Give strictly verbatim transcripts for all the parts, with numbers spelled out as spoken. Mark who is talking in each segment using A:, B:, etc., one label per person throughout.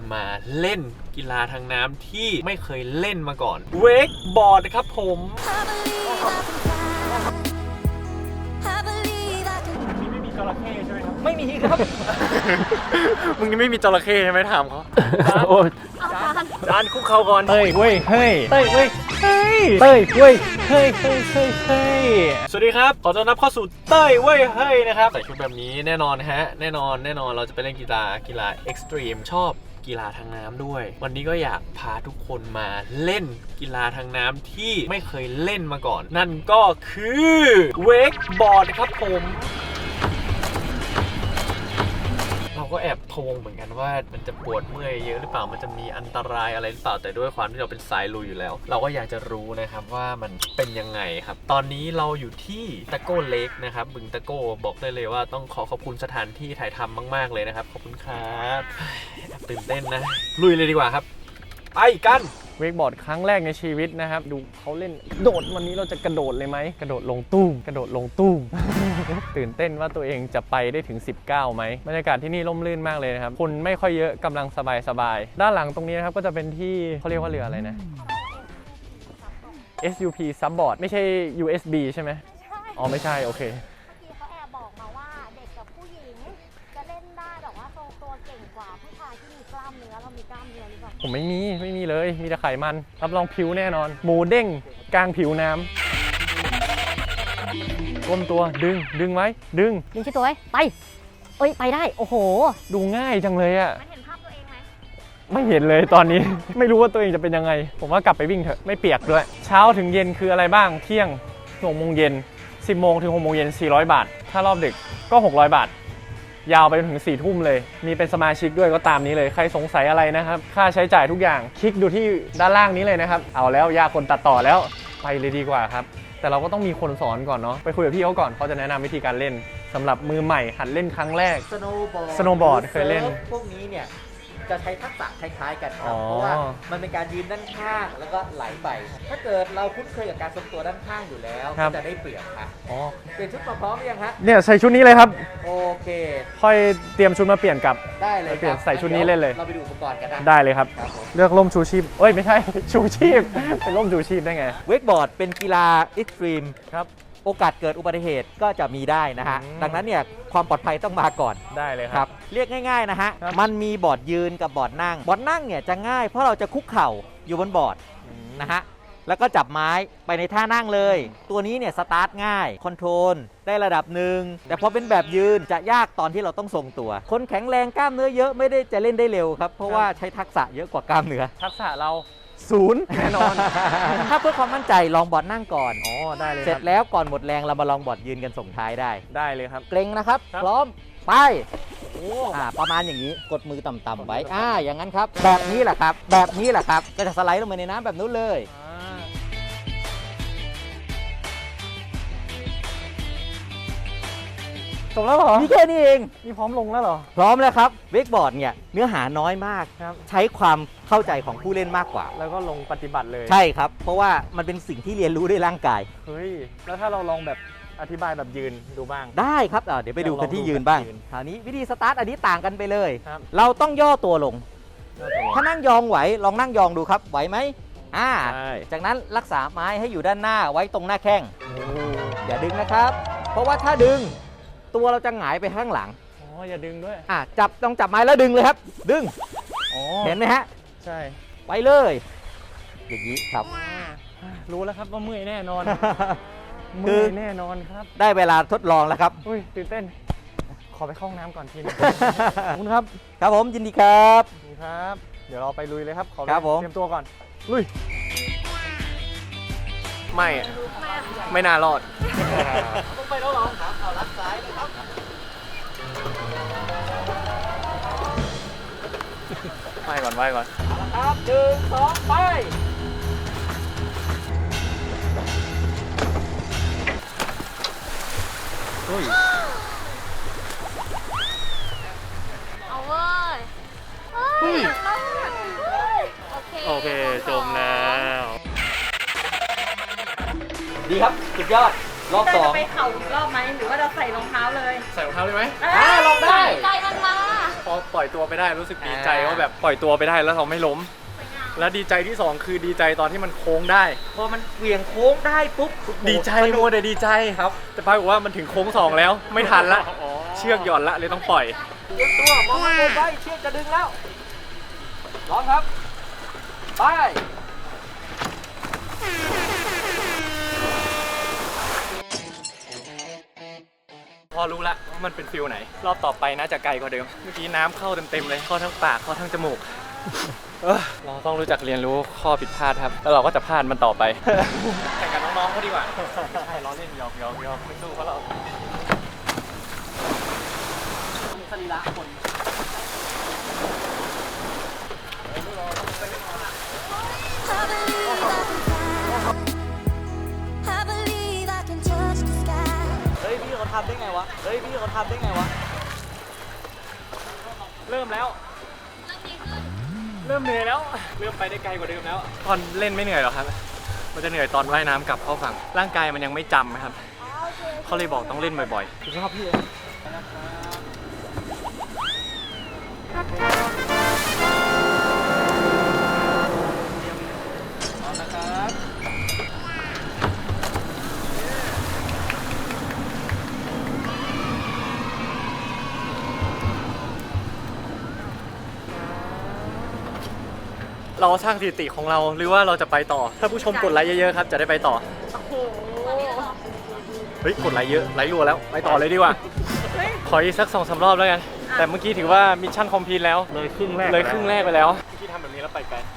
A: มาเล่นกีฬาทางน้ำที่ไม่เคยเล่นมาก่อนเวกบอร์ดครับผมนี่ไม่มีจระเข้ใช่ไหมครับไม่มีครับ มึงไม่มีจระเข้ใช่ไหมถามเขาโอ้จานคุกเข่าก่อนเต้ยเว้ยเฮ้ยเต้ยเว้ยเฮ้ยเต้ยเว้ยเฮ้ยเฮ้ยเฮ้ยเฮ้ยสวัสดีครับขอต้อนรับเข้าสู่เต้ยเว้ยเฮ้ยนะครับใส่ชุดแบบนี้แน่นอนฮะแน่นอนแน่นอนเราจะไปเล่นกีฬากีฬาเอ็กซ์ตรีมชอบกีฬาทางน้ำด้วยวันนี้ก็อยากพาทุกคนมาเล่นกีฬาทางน้ำที่ไม่เคยเล่นมาก่อนนั่นก็คือเวกบอร์ดครับผมเราก็แอบพะวงเหมือนกันว่ามันจะปวดเมื่อยเยอะหรือเปล่ามันจะมีอันตรายอะไรหรือเปล่าแต่ด้วยความที่เราเป็นสายลุยอยู่แล้วเราก็อยากจะรู้นะครับว่ามันเป็นยังไงครับตอนนี้เราอยู่ที่ตะโก้เล็กนะครับบึงตะโก้บอกได้เลยว่าต้องขอขอบคุณสถานที่ถ่ายทำมากๆเลยนะครับขอบคุณครับตื่นเต้นนะลุยเลยดีกว่าครับไปกันเวกบอร์ดครั้งแรกในชีวิตนะครับดูเขาเล่นโดดวันนี้เราจะกระโดดเลยไหมกระโดดลงตุ้มกระโดดลงตุ้ม ตื่นเต้นว่าตัวเองจะไปได้ถึงสิบเก้าไหมบรรยากาศที่นี่ร่มรื่นมากเลยนะครับคนไม่ค่อยเยอะกำลังสบายสบายด้านหลังตรงนี้นะครับก็จะเป็นที่เขาเรียกว่าเรืออะไรนะ เอส ยู พี Subboard ไม่ใช่ ยู เอส บี ใช่ไหมอ๋อไม่ใช่โอเค
B: เมื่อกี้เขาแอบบอกมาว่าเด็กกับผู้หญิงจะเล่นได้แต่ว่าทรงตัวเก่งกว่าผู้ชายที่มีกล้ามเนื้อเรามีกล้ามเนื้อหรือเปล่า
A: ผมไม่มีไม่มีเลยมีแต่ไขมันรับรองผิวแน่นอนหมูเด้งกลางผิวน้ำก้มตัวดึงดึงไว้ดึง
B: ดึงชิดตัวไว้ไปเอ้ยไปได้โอ้โห
A: ดูง่ายจังเลยอะ
B: มันเห็นภาพตัวเองไหม
A: ไม่เห็นเลยตอนนี้ ไม่รู้ว่าตัวเองจะเป็นยังไงผมว่ากลับไปวิ่งเถอะไม่เปียกด้วยเช้าถึงเย็นคืออะไรบ้างเที่ยงหกโมงเย็นสิบโมงถึงหกโมงเย็นสี่ร้อยบาทถ้ารอบดึกก็หกร้อยบาทยาวไปจนถึงสี่ทุ่มเลยมีเป็นสมาชิกด้วยก็ตามนี้เลยใครสงสัยอะไรนะครับค่าใช้จ่ายทุกอย่างคลิกดูที่ด้านล่างนี้เลยนะครับเอาแล้วยากคนตัดต่อแล้วไปเลยดีกว่าครับแต่เราก็ต้องมีคนสอนก่อนเนาะไปคุยกับพี่เขาก่อนเขาจะแนะนำวิธีการเล่นสำหรับมือใหม่หัดเล่นครั้งแรก
C: สโนว์บอร์ด
A: สโนว์บอร์ดเคยเล่น
C: พวกนี้เนี่ยจะใช้ทักษะคล้ายๆกันครับเพราะว่ามันเป็นการยืนด้านข้างแล้วก็ไหลไปถ้าเกิดเราคุ้นเคยกับการทรงตัวด้านข้างอยู่แล้วก็จะได้เปรียบครับเปลี่ยนชุดมาพร้อมหรือยังฮะ
A: เนี่ยใส่ชุดนี้เลยครับ
C: โอเค
A: ค่อยเตรียมชุดมาเปลี่ยนกับ
C: ได้เลย
A: เปลี่ยนใส่ชุดนี้เล่นเลย
C: เราไปดูอุปกรณ์กันนะ
A: ได้เลยครับเลือกร่มชูชีพเอ้ยไม่ใช่ชูชีพเป็นร่มชูชีพได้ไง
C: เวกบอร์ดเป็นกีฬาเอ็กซ์ตรีม
A: ครับ
C: โอกาสเกิดอุบัติเหตุก็จะมีได้นะฮะดังนั้นเนี่ยความปลอดภัยต้องมาก่อน
A: ได้เลยครับ
C: เรียกง่ายๆนะฮะมันมีบอร์ดยืนกับบอร์ดนั่งบอร์ดนั่งเนี่ยจะง่ายเพราะเราจะคุกเข่าอยู่บนบอร์ดนะฮะแล้วก็จับไม้ไปในท่านั่งเลยตัวนี้เนี่ยสตาร์ทง่ายคอนโทรลได้ระดับหนึ่งแต่พอเป็นแบบยืนจะยากตอนที่เราต้องทรงตัวคนแข็งแรงกล้ามเนื้อเยอะไม่ได้จะเล่นได้เร็วครับเพราะว่าใช้ทักษะเยอะกว่ากล้ามเนื้อ
A: ทักษะเราศูนย์แน่นอน
C: ถ้าเพื่อความมั่นใจลองบอร์ดนั่งก่อน
A: อ๋อได้เลย
C: เสร็จแล้วก่อนหมดแรงเรามาลองบอร์ดยืนกันส่งท้ายได้
A: ได้เลยครับ
C: เกรงนะครับพร้อมไปอ่าประมาณอย่างนี้กดมือต่ำๆไว้อ่าอย่างนั้นครับแบบนี้แหละครับแบบนี้แหละครับก็จะสไลด์ลงไปในน้ำแบบนู้นเลย
A: จบแล้วเหรอ
C: มีแค่นี้เอง
A: นี่พร้อมลงแล้วเหรอ
C: พร้อมแล้วครับเวกบอร์ดเนี่ยเนื้อหาน้อยมากใช้ความเข้าใจของผู้เล่นมากกว่า
A: แล้วก็ลงปฏิบัติเลย
C: ใช่ครับเพราะว่ามันเป็นสิ่งที่เรียนรู้ด้วยร่างกาย
A: เฮ้ยแล้วถ้าเราลองแบบอธิบายแบบยืนดูบ้าง
C: ได้ครับเดี๋ยวไปดูกันที่ยืนบ้างคราวนี้วิธีสตาร์ทอันนี้ต่างกันไปเลยเราต้องย่อตัวลงถ้านั่งยองไหวลองนั่งยองดูครับไหวไหมอ่าจากนั้นรักษาไม้ให้อยู่ด้านหน้าไว้ตรงหน้าแข้งอย่าดึงนะครับเพราะว่าถ้าดึงตัวเราจะหงายไปข้างหลัง
A: อ๋ออย่าดึงด้วย
C: อ่าจับต้องจับไม้แล้วดึงเลยครับดึงเห็นไหมฮะ
A: ใช่
C: ไปเลยอย่างนี้ครับ
A: รู้แล้วครับว่าเมื่อยแน่นอนเมื่อยแน่นอนครับ
C: ได้เวลาทดลองแล้วครับ
A: อุ้ยตื่นเต้นขอไปเข้าห้องน้ำก่อนทีนึงขอบคุณครับ
C: ครับผมยินดีครับ
A: ครับเดี๋ยวเราไปลุยเลยครับขอเตรียมตัวก่อนลุยไม่ไม่น่ารอด
C: ต้องไปแล้วหรอครับเอาลัดซ้ายนะครับ
A: ไปก่อนไปก่อน
C: ครับหนึ่งสองไป
A: เฮ้ย
B: เอาเว้ยเฮ้ยโอเค
A: โอเคจมแล้ว
C: ดีครับสุดยอดรอบสอง
B: จะไปเข่าอีกรอบไหมหรือว่าเราใส่รองเท้าเลย
A: ใส่รองเท้าเลยไหม
C: อ่าลองได้
B: ใจมันมา
A: พอปล่อยตัวไปได้รู้สึกดีใจ
C: อ่า
A: ว่าแบบปล่อยตัวไปได้แล้วเราไม่ล้ม แล้วดีใจที่สองคือดีใจตอนที่มันโค้งได้
C: พอมันเหวี่ยงโค้งได้ปุ๊บ
A: ดีใจ
C: สนุ
A: มั
C: ก
A: วแต่ดีใจครับแต่ปรากฏว่ามันถึงโค้งสองแล้วไม่ทันละเชือกหย่อนละเลยต้องปล่อย
C: เตรียมตัวมองมาไว้เชือกจะดึงแล้วร้องครับไป
A: พอรู้ละว่ามันเป็นฟิลไหน รอบต่อไปน่าจะไกลกว่าเดิมเมื่อกี้น้ำเข้าเต็มๆเลยเข้าทั้งปากเข้าทั้งจมูกเออเราต้องรู้จักเรียนรู้ข้อผิดพลาดครับแล้วเราก็จะพลาดมันต่อไป แข่งกับน้องๆเขาดีกว่าใช่ล้อเล่นหยอกหยอกหยอกไม่สู้เพราะเราสรีระคน
D: I believe I can touch the sky.
C: เฮ้ยพี่เขาทำได้ไงวะเฮ้ยพี่เขาทำได้ไงวะ
A: เริ่มแล้ว เริ่มเหนื่อยแล้ว เริ่มไปได้ไกลกว่าเดิมแล้ว ตอนเล่นไม่เหนื่อยหรอกครับ มันจะเหนื่อยตอนว่ายน้ำกลับเข้าฝั่ง ร่างกายมันยังไม่จำนะครับ เขาเลยบอกต้องเล่นบ่อยๆชอบพี่เอาละครับ เราสร้างสถิติของเราหรือว่าเราจะไปต่อ ถ้าผู้ชมกดไลค์เยอะๆครับจะได้ไปต่อ เฮ้ยกดไลค์เยอะไลค์รัวแล้วไปต่อเลยดีกว่า ขออีกสักสองสามรอบแล้วกัน แต่เมื่อกี้ถือว่ามิชชั่นคอมพลีทแล้ว
E: เลยครึ่งแรก
A: เลยครึ่งแรกไปแล้วเมื่อกี้ทำแบบนี้แล้วไปไกล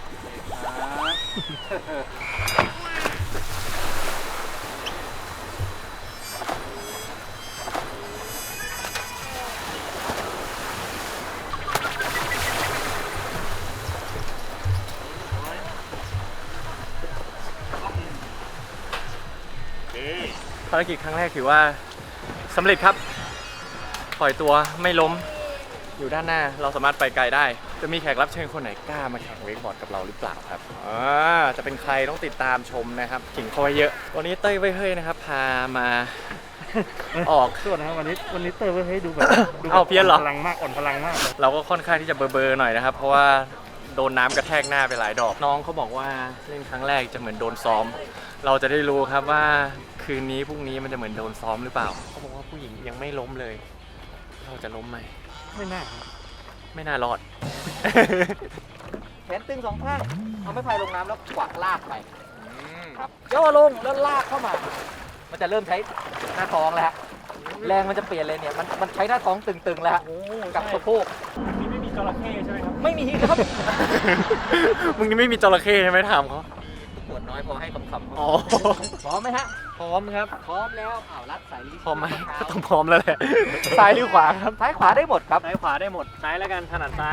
A: ภารกิจครั้งแรกถือว่าสำเร็จครับ ปล่อยตัวไม่ล้มอยู่ด้านหน้าเราสามารถไปไกลได้ จะมีแขกรับเชิญคนไหนกล้ามาแข่งเวกบอร์ดกับเราหรือเปล่าครับอ่าจะเป็นใครต้องติดตามชมนะครับขิงเขาไว้เยอะวันนี้เต้ยไว้เฮ้ยนะครับ พามา ออก
E: ส่วนนะครับวันนี้วันนี้เตอร์เว้ยให้ดูแบบดูแบบ
A: เอาเพี้ยนเหรอ
E: พลังมากอ่อนพลังมากเลย
A: เราก็ค่อนข้างที่จะเบอร์ๆหน่อยนะครับ เพราะว่าโดนน้ำกระแทกหน้าไปหลายดอกน้องเขาบอกว่าเล่นครั้งแรกจะเหมือนโดนซ้อม เราจะได้รู้ครับว่าคืนนี้พรุ่งนี้มันจะเหมือนโดนซ้อมหรือเปล่าเขาบอกว่าผู้หญิงยังไม่ล้มเลย เราจะล้มไหม
E: ไม่น่าครับ
A: ไม่น่ารอด
C: แขนตึงสองข้างเอาไม้พายลงน้ำแล้วกวักลากไปครับย่อลงแล้วลากเข้ามา มันจะเริ่มใช้หน้าท้องแล้วฮะแรงมันจะเปลี่ยนเลยเนี่ยมันมันใช้หน้าท้องตึงๆแล้วฮะกับสะโพก
A: นี่ไม่มีจระเข้ใช่ไหมครับ
C: ไม่มีครับ
A: มึงนี่ไม่มีจระเข้ใช่ไหมถามเขา
C: ปวดน้อยพอให้คำคำ
A: อ๋อ
C: พร้อมไหมฮะ
A: พร้อมครับ
C: พร้อมแล้วอ้าวรัดสายลิ้น
A: พร้อมไหมก็ต้องพร้อมแล้วแหละ ซ้ายหรือขวาครับ
C: ซ้ายขวาได้หมดครับ
A: ซ้ายขวาได้หมด ซ้ายแล้วกันถนัดซ้าย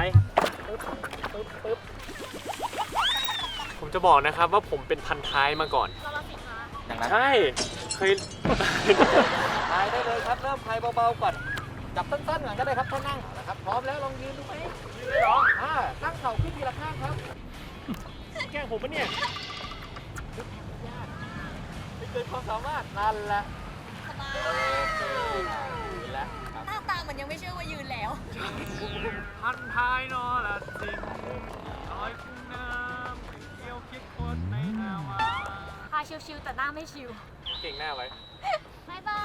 A: ผมจะบอกนะครับว่าผมเป็นพันท้ายมาก่อน
C: อย่างนั้น
A: ใช่ เคย
C: พายได้เลยครับเริ่มพายเบาๆก่อนจับสั้นๆก่อนก็ได้ครับถ้านั่งนะครับพร้อมแล้วลองยืนดูไหมยืนเลยเหรออ่าตั้งเข่าขึ้นทีละข้างครับ
A: แกล้งผมปะเนี่ย
C: ไม่เกินความสามารถนั่นแหละยืนแล้วครับ
D: หน้าตามันยังไม่เชื่อว่ายืนแล้ว
A: พันท้ายนอละสิงลอยคุ้งน้ำเกี่ยวคิดคนในนาวา
B: พาชิวๆแต่หน้าไม่ชิว
A: เก่งหน้าไว้
B: บ๊ายบาย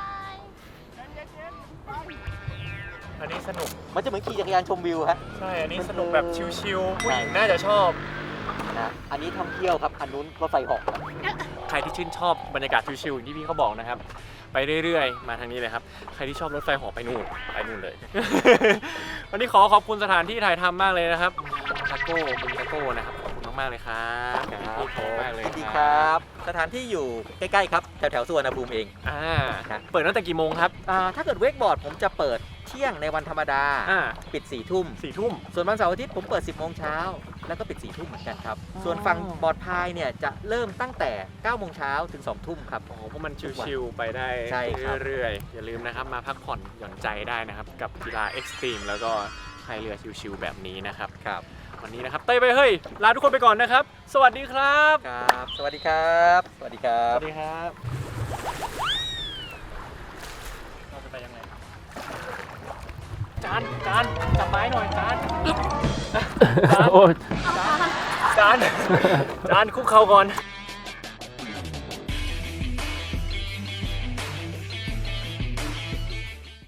A: อันนี้สนุก
C: มันจะเหมือนขี่จักรยานชมวิวฮะ
A: ใช่ อันนี้สนุกแบบชิลๆ ผู้หญิงน่าจะชอบ
C: นะอันนี้ท่องเที่ยวครับอันนู้นรถไฟเหอกครับ
A: ใครที่ชื่นชอบบรรยากาศชิลๆอย่างที่พี่เขาบอกนะครับ ไปเรื่อยๆ มาทางนี้เลยครับ ใครที่ชอบรถไฟเหาะไปนู่น ไปนู่นเลย วันนี้ขอขอบคุณสถานที่ถ่ายทำมากเลยนะครับตะโก้บึงตะโก้นะครับ ขอบคุณมากๆเลยครับขอบคุณมากเลย
C: ยินดีครับ สถานที่อยู่ใกล้ๆครับแถวๆสุวรรณภูมิเอง
A: อ่า
C: ครับ
A: เปิดตั้งแต่กี่โมงครับ
C: อ่าถ้าเกิดเวกบอร์ดผมจะเปิดเที่ยงในวันธรรมดา
A: อ่า
C: ปิดสี่ทุ่ม
A: สี่ทุ่ม
C: ส่วนวันเสาร์อาทิตย์ผมเปิด สิบโมงเช้าแล้วก็ปิดสี่ทุ่มเหมือนกันครับ
A: อ๋อ
C: ส่วนฝั่งบอร์ดพายเนี่ยจะเริ่มตั้งแต่เก้าโมงเช้าถึงสองทุ่มครับ
A: อ๋อเพราะมันชิลๆไปได้
C: ใช่ครับ
A: เรื่อยๆ อย่าลืมนะครับ มาพักผ่อนหย่อนใจได้นะครับ กับกีฬาเอ็กซ์ตรีมแล้วก็พายเรือชิลๆแบบนี้นะครับ
C: ครับ
A: วันนี้นะครับเต้ยไปเฮ้ย ลาทุกคนไปก่อนนะครับ สวัสดีครับ
C: ครับ สวัสดีครับ สวัสดีครั
A: ส
C: บ
A: วัสดีครับเราจะไปยังไงจานจานจับไม้หน่อยจานจาน
F: โอ้ย
A: จานจานคุกเข่าก่อน